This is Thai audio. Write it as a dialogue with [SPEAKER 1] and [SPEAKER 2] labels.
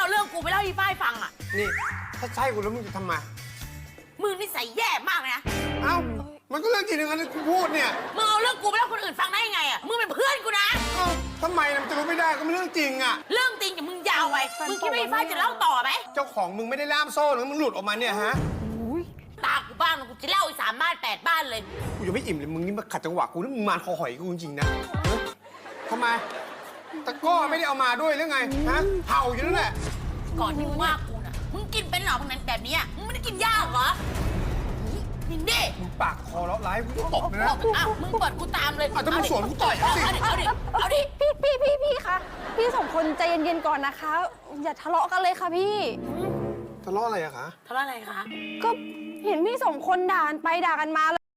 [SPEAKER 1] เอาเรื่องกูไปเล่าอีฝ้ายฟังอ่ะ
[SPEAKER 2] นี่ถ้าใช่กูแล้วมึงจะทำไม
[SPEAKER 1] มึงนิสัยแย่มากเลยนะ
[SPEAKER 2] เอ้ามันก็เรื่องจริงอย่างนั้นที่กูพูดเนี่ย
[SPEAKER 1] มึงเอาเรื่องกูไปเล่าคนอื่นฟังได้ยังไงอ่ะมึงเป็นเพื่อนกูนะ
[SPEAKER 2] เอ้าทำไมมันจะรู้ไม่ได้ก็เป็นเรื่องจริงอ่ะ
[SPEAKER 1] เรื่องจริงแต่มึงยาวไปมึงคิดว่าอีฝ้ายจะเล่าต่อไหม
[SPEAKER 2] เจ้าของมึงไม่ได้ล่ามโซ่หรือมึงหลุดออกมาเนี่ยฮะ
[SPEAKER 1] ตากูบ้างกูจะเล่าอี3 บ้าน 8 บ้านเลย
[SPEAKER 2] กูยังไม่อิ่มเลยมึงนี่มาขัดจังหวะกูนี่มึงมารคอหอยกูจริงๆนะทำไมตะก้อไม่ได้เอามาด้วยหรือไงฮะเห่าอยู่นั่นแหละ
[SPEAKER 1] ก่อนที่มึงว่ากูน่ะมึงกินเป็นเหรอพวกนั้นแบบนี้มึงไม่ได้กินยากเหรอนี่เด้
[SPEAKER 2] มึงปากคอแล้วร้ายกูตบเลยนะ
[SPEAKER 1] อ้าวมึงเปิดกูตามเลย
[SPEAKER 2] ถ้ามึงสวนกูต่อยเอาสิ
[SPEAKER 1] เอาดิ
[SPEAKER 3] พี่คะพี่สองคนใจเย็นๆก่อนนะคะอย่าทะเลาะกันเลยค่ะพี่
[SPEAKER 2] ทะเลาะอะไรอะคะ
[SPEAKER 1] ทะเลาะอะไรคะ
[SPEAKER 3] ก็เห็นพี่สองคนด่ากันไปด่ากันมา